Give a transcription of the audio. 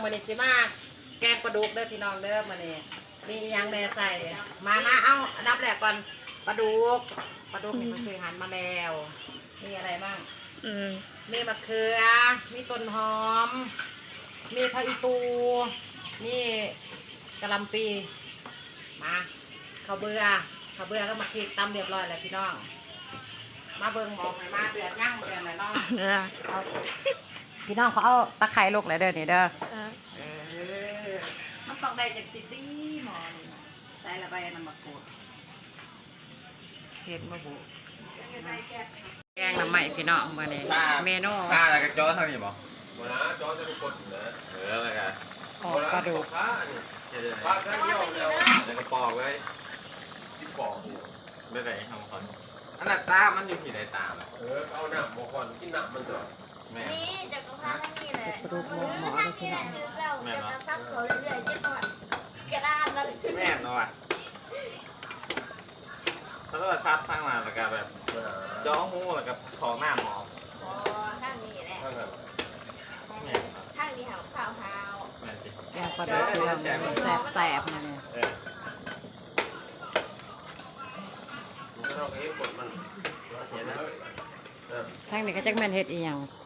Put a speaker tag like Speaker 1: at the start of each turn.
Speaker 1: มื้อนี้สิมาแกงปลาดุกเด้อพี่น้องเด้อมื้อนี้มีอิหยังแม่ใส่มาเอาอันดับแรกก่อนปลาดุกนี่มันซื้อหันมาแล้วมีอะไรบ้างมีมะเขือมีต้นหอมมีผักอีตูมีกะหล่ำปีมาข้าวเบื่อก็มาคลิกตำเรียบร้อยแล้วพี่น้องมาเบิ่งหมองให้มาเดือดย่างเดือดเลยน้องเอาพี่น้องเขาเอาตะไคร้ลกเลยเด้อนี่เด้อมันต้องได้จากสิบดีหมอนี่ใส่ละใบน้ำมะกรูดเห็ดมะบุแกงน้ำใหม่พี่น้องมาเนี่ยเมนู
Speaker 2: ปลาอะไรกับจอทำยังบ่มาจอจะเป็นคนนะอะไรกัน
Speaker 1: ปลาดุก
Speaker 2: ปลาแค่เดียวแล้วแล้วก็ปอกเลยที่ปอกไม่ได้ทำคนอันนั้นตามันอยู่ที่ไหนตาเอาหนังมาก่อนกินหนังมันก่อน
Speaker 3: นี่จากกระเพาะทั้งนี้แหละหรือทั้งนี้แหละคือเราจะซับเขาเรื่อยๆจะก่อนกระด้านแล้ว
Speaker 2: แม่เนาะเขาต้องซับทั้งมาแล้วก็แบบย้อหูแล้วก็ขอหน้าหมอ
Speaker 3: อ๋อทั้งนี้แหละทั้งนี้หาวขาว
Speaker 1: แกงปลาดุกแสบๆนะเนี่ยทั้งนี้ก็จักแม่นเฮ็ดอีหยัง